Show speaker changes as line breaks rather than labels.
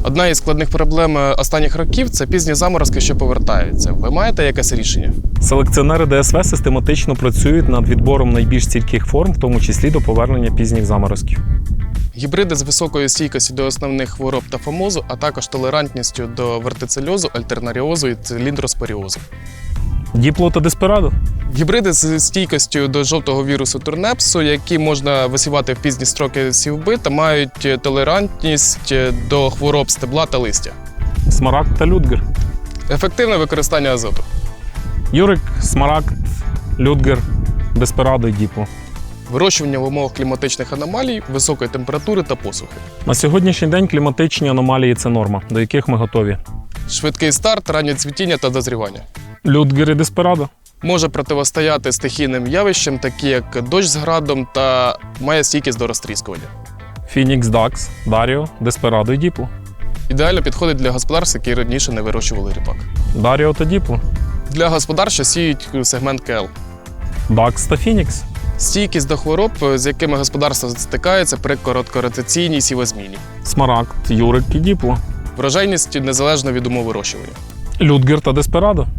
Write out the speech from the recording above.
Одна із складних проблем останніх років – це пізні заморозки, що повертаються. Ви маєте якесь рішення?
Селекціонери ДСВ систематично працюють над відбором найбільш стійких форм, в тому числі до повернення пізніх заморозків.
Гібриди з високою стійкістю до основних хвороб та фомозу, а також толерантністю до вертицельозу, альтернаріозу і циліндроспоріозу.
Діпло та Деспирадо.
Гібриди з стійкістю до жовтого вірусу турнепсу, які можна висівати в пізні строки сівби та мають толерантність до хвороб стебла та листя.
Смарагд та Людгер.
Ефективне використання азоту.
Юрик, Смарагд, Людгер, Деспирадо і Діпло.
Вирощування в умовах кліматичних аномалій, високої температури та посухи.
На сьогоднішній день кліматичні аномалії – це норма, до яких ми готові.
Швидкий старт, раннє цвітіння та дозрівання.
Людгер і Деспирадо.
Може протистояти стихійним явищам, такі як дощ з градом, та має стійкість до розтріскування.
Фінікс, Дакс, Даріо, Деспирадо і Діпло.
Ідеально підходить для господарств, які раніше не вирощували ріпак.
Даріо та Діпло.
Для господарств, що сіють сегмент КЛ.
Дакс та Фінікс.
Стійкість до хвороб, з якими господарство стикається при короткоротаційній сівозміні.
Смарагд, Юрик і Діпло.
Врожайність незалежно від умов вирощування.
Людгер та Деспирадо.